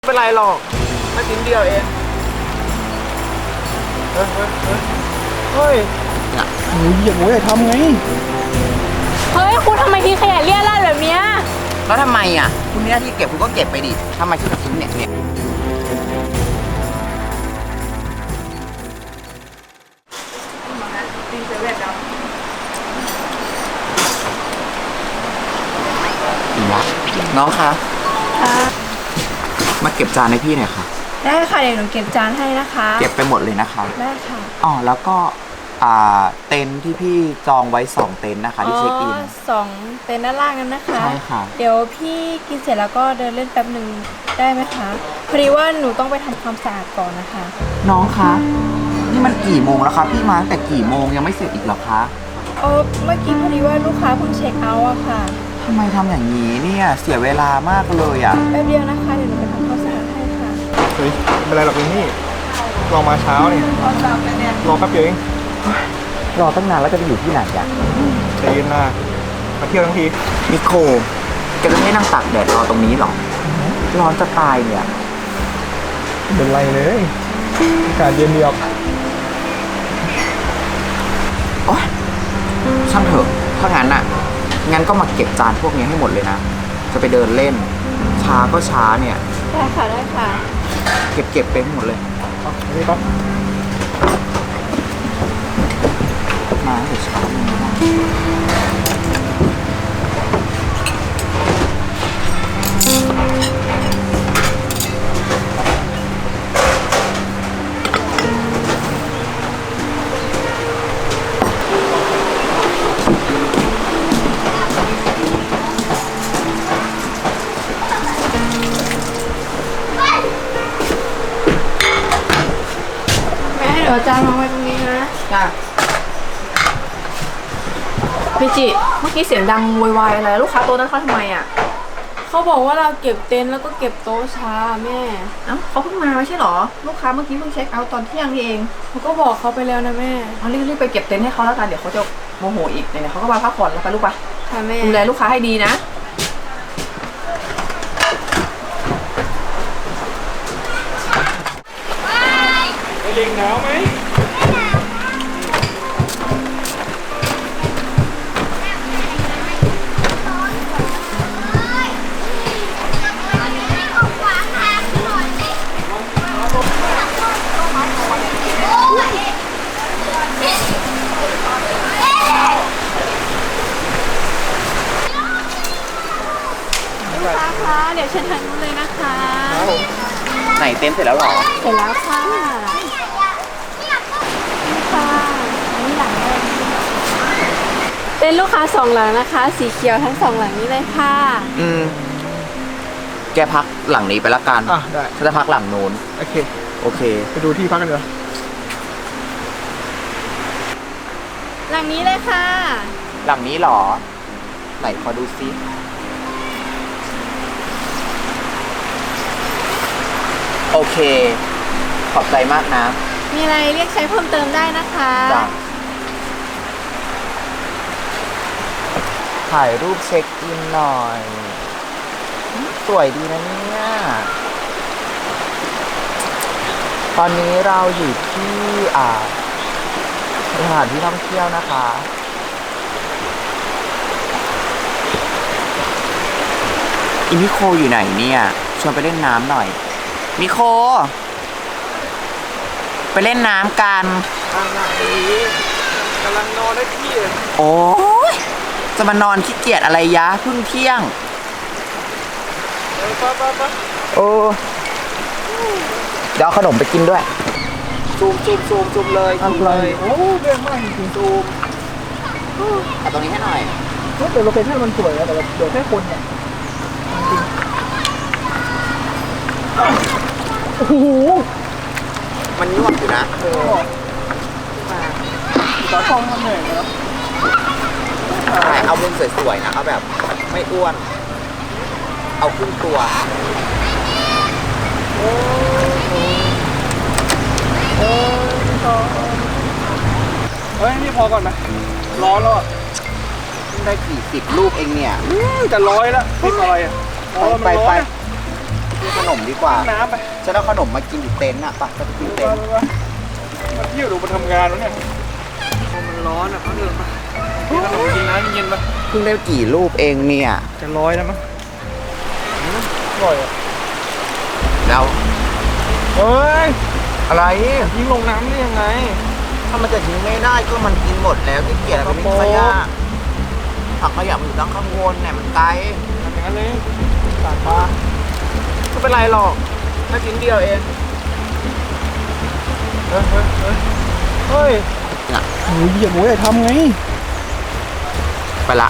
ไม่เป็นไรหรอกไม่ชิ้นเดียวเองเฮ้ยหนูเหยียบหัวอย่าทำไงเฮ้ยคุณทำไมทิ้งขยะเลี่ยราดแบบเนี้ยแล้วทำไมอ่ะคุณมีหน้าที่เก็บคุณก็เก็บไปดิทำไมถึงทิ้งเนี่ยอีกละน้องคะมาเก็บจานให้พี่หน่อยค่ะได้ค่ะเดี๋ยวหนูเก็บจานให้นะคะเก็บไปหมดเลยนะคะได้ค่ะอ๋อแล้วก็เต็นท์ที่พี่จองไว้2เต็นท์นะคะที่เช็คอิน 2 เต็นท์ด้านล่างนั้นนะคะใช่ค่ะเดี๋ยวพี่กินเสร็จแล้วก็เดินเล่นแป๊บหนึ่งได้ไหมคะพอดีว่าหนูต้องไปทำความสะอาดก่อนนะคะน้องคะนี่มันกี่โมงแล้วคะพี่มาตั้งแต่กี่โมงยังไม่เสร็จอีกเหรอคะเมื่อกี้พอดีว่าลูกค้าเพิ่งเช็คเอาท์อะค่ะทำไมทำอย่างนี้เนี่ยเสียเวลามากเลยอ่ะแป๊บเดียวนะคะเดี๋ยวหนูไปทำความสะอาดให้ค่ะเฮ้ยไม่เป็นไรหรอกนี่รอมาเช้านี่รอแป๊บเดียวเองรอตั้งนานแล้วจะไปอยู่ที่ไหนอ่ะใจเย็นนะมาเที่ยวทั้งทีนิโคแกจะไม่นั่งตากแดดรอตรงนี้หรอร้อนจะตายเนี่ยไม่เป็นไรเลยอากาศเย็นดีออกโอ๊ยช่างเถอะถ้างั้นอ่ะงั้นก็มาเก็บจานพวกนี้ให้หมดเลยนะจะไปเดินเล่นช้าก็ช้าเนี่ยได้ค่ะได้ค่ะเก็บไปให้หมดเลยนี่ครับมาเดี๋ยวช้าเลยนะเดี๋ยวจานวางไว้ตรงนี้นะจ้ะพี่จิเมื่อกี้เสียงดังโวยวายอะไรลูกค้าโต๊ะนั้นเขาทำไมอ่ะเขาบอกว่าเราเก็บเต็นท์แล้วก็เก็บโต๊ะช้าแม่เอ้าเขาเพิ่งมาไม่ใช่หรอลูกค้าเมื่อกี้เพิ่งเช็คเอาท์ตอนเที่ยงนี่เองเขาก็บอกเขาไปแล้วนะแม่เอารีบไปเก็บเต็นท์ให้เขาแล้วกันเดี๋ยวเขาจะโมโหอีกเนี่ยเขาก็มาพักผ่อนแล้วไปลูกไปค่ะแม่ดูแลลูกค้าให้ดีนะเล็งหนาวไหมลูกค้าคะเดี๋ยวเชิญทางนู้นเลยนะคะไหนเต็นท์เสร็จแล้วหรอเสร็จแล้วค่ะค่ะนี่หลังเลยเป็นลูกค้า2 หลังนะคะสีเขียวทั้ง2 หลังนี้เลยค่ะแกพักหลังนี้ไปละกันได้ฉันจะพักหลังโน้นโอเคไปดูที่พักกันเถอะหลังนี้เลยค่ะหลังนี้หรอไหนขอดูซิโอเคขอบใจมากนะมีอะไรเรียกใช้เพิ่มเติมได้นะคะจ้ะถ่ายรูปเช็คอินหน่อยสวยดีนะเนี่ยตอนนี้เราอยู่ที่สถานที่ท่องเที่ยวนะคะอิมิโคอยู่ไหนเนี่ยชวนไปเล่นน้ำหน่อยมิโคไปเล่นน้ำกันกำลังนอนได้ที่โอ้ยจะมานอนขี้เกียจอะไรยะเพิ่งเที่ยงโอ้เดี๋ยวเอาขนมไปกินด้วยซูมเลยโอ้เรื่องมากจริงซูมเอาตรงนี้ให้หน่อยแต่โลเคชั่นมันสวยนะแต่เดี๋ยวแค่คนเนี่ยโอ้โหมันยวบอยู่นะต่อฟองมันเหนื่อยแล้วเอามุมสวยๆนะเอาแบบไม่อ้วนเอาครึ่งตัวเฮ้ยนี่พอก่อนไหมร้อนแล้วอ่ะได้กี่10 ลูกเองเนี่ยจะ100แล้วพริกอะไรอ่ะไปกินขนมดีกว่าน้ำไปฉันเอาขนมมากินอยู่เต็นท์อะไปไปกินเต็นท์มาเที่ยวดูมาทำงานวะเนี่ยมันร้อนอ่ะเขาเดินมากินขนมกินน้ำเย็นๆมาเพิ่งได้กี่รูปเองเนี่ยจะร้อยแล้วมั้งอร่อยอ่ะแล้วเฮ้ยอะไรทิ้งลงน้ำได้ยังไงถ้ามันจะทิ้งไม่ได้ก็มันกินหมดแล้วที่เกียจไปทิ้งขยะถังขยะมันอยู่ตั้งข้างบนเนี่ยมันไกลทำอย่างนั้นเลยสาดปลาไม่เป็นไรหรอกแค่ชิ้นเดียวเองเฮ้ยเฮ้ยน่ะหมูเหยียบหมูใหญ่ทำไงไปละ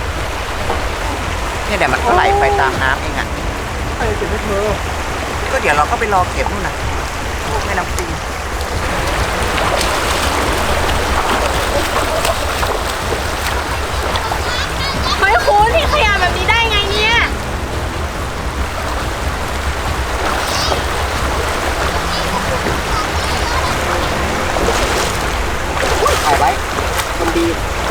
เนี่ยเดี๋ยวมันก็ไหลไปตามน้ำเองอะใครเก็บให้เธอก็เดี๋ยวเราก็ไปรอเก็บนู่นน่ะแม่น้ำปิงเฮ้ยคุณทิ้งขยะแบบนี้ได้ไงเนี่ยถ่ายไว้คนดี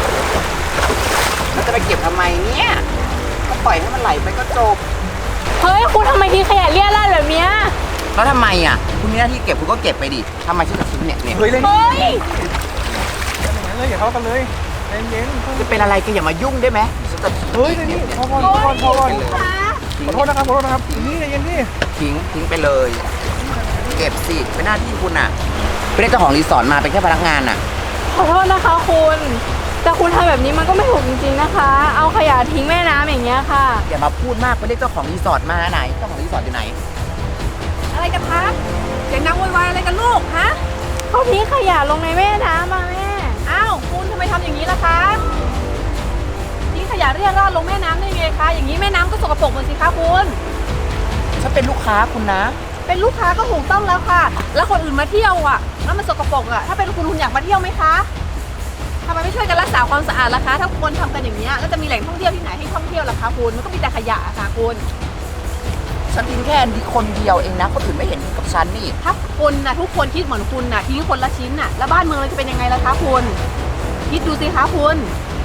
แล้วจะไปเก็บทำไมเนี่ยก็ปล่อยให้มันไหลไปก็จบเฮ้ยคุณทำไมทิ้งขยะเลี่ยราดแบบเนี้ยแล้วทำไมอ่ะคุณมีหน้าที่เก็บคุณก็เก็บไปดิทำไมฉันจะทิ้งเนี่ยเฮ้ยเล่นเฮ้ยอย่างนั้นเลยอย่าทะเลาะกันเลยใจเย็นจะเป็นอะไรก็อย่ามายุ่งได้ไหมฉันจะเฮ้ยนี่พอก่อนพอก่อนพอก่อนขอโทษนะครับขอโทษนะครับนี่ใจเย็นดิทิ้งไปเลย เก็บสิเป็นหน้าที่คุณอ่ะไม่ได้เจ้าของรีสอร์ทมาเป็นแค่พนักงานอ่ะขอโทษนะคะคุณ แต่คุณทำแบบนี้มันก็ไม่ถูกจริงๆนะคะ เอาขยะทิ้งแม่น้ำอย่างเงี้ยค่ะอย่ามาพูดมากไปเรียกเจ้าของรีสอร์ทมาไหนเจ้าของรีสอร์ทอยู่ไหนอะไรกันคะเสียงดังโวยวายอะไรกันลูกฮะเขาทิ้งขยะลงในแม่น้ำมาแม่อ้าวคุณทำไมทำอย่างนี้ล่ะคะทิ้งขยะเรี่ยราดลงแม่น้ำได้ไงคะอย่างนี้แม่น้ำก็สกปรกหมดสิคะคุณฉันเป็นลูกค้าคุณนะเป็นลูกค้าก็ถูกต้องแล้วค่ะ แล้วคนอื่นมาเที่ยวอ่ะแล้วมันสกปรกอ่ะถ้าเป็นคุณอยากมาเที่ยวไหมคะทำไมไม่ช่วยกันรักษาความสะอาดล่ะคะ ถ้าคนทำกันอย่างนี้ยแล้วจะมีแหล่งท่องเที่ยวที่ไหนให้ท่องเที่ยวล่ะคะคุณมันก็มีแต่ขยะค่ะคุณฉันทิ้งแค่นี้คนเดียวเองนะคนอื่นไม่เห็นกับฉันนี่ถ้าคนนะทุกคนคิดเหมือนคุณนะทิ้งคนละชิ้นน่ะแล้วบ้านเมืองเราจะเป็นยังไงล่ะคะคุณคิดดูสิคะคุณ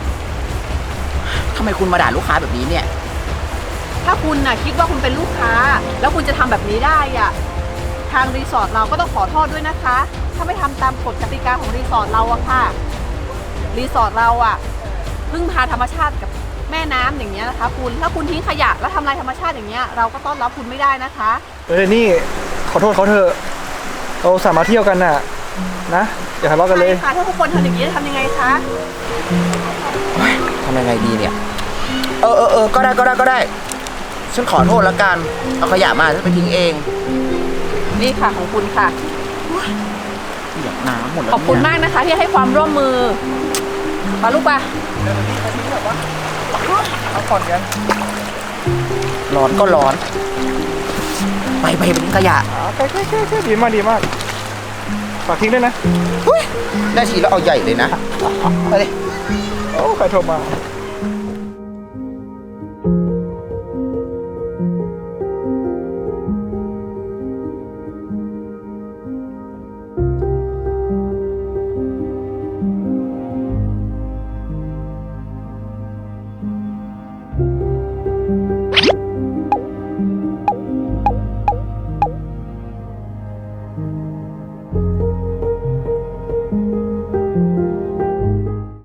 ทำไมคุณมาด่าลูกค้าแบบนี้เนี่ยถ้าคุณน่ะคิดว่าคุณเป็นลูกค้า แล้วคุณจะทำแบบนี้ได้อ่ะทางรีสอร์ทเราก็ต้องขอโทษด้วยนะคะ ถ้าไม่ทำตามกฎกติกาของรีสอร์ทเราอะค่ะรีสอร์ทเราอะพึ่งพาธรรมชาติกับแม่น้ำอย่างเงี้ยนะคะคุณถ้าคุณทิ้งขยะแล้วทำลายธรรมชาติอย่างเงี้ยเราก็ต้อนรับคุณไม่ได้นะคะนี่ขอโทษเขาเถอะเราสามารถเที่ยวกันน่ะนะอย่าทะเลาะกันเลยใช่ค่ะถ้าทุกคนทำอย่างนี้จะทำยังไงคะทำยังไงดีเนี่ย ก็ได้ ฉันขอโทษแล้วกัน เอาขยะมาฉันไปทิ้งเองนี่ค่ะของคุณค่ะเปียกน้ำหมดแล้วขอบคุณมากนะคะที่ให้ความร่วมมือปาลูกปะเอาผ่อนกันร้อนก็ร้อน ไปทิ้งขยะแค่ดีมากฝากทิ้งด้วยนะได้ทีแล้วเอาใหญ่เลยนะ ไปเลยโอ้ใครโทรมา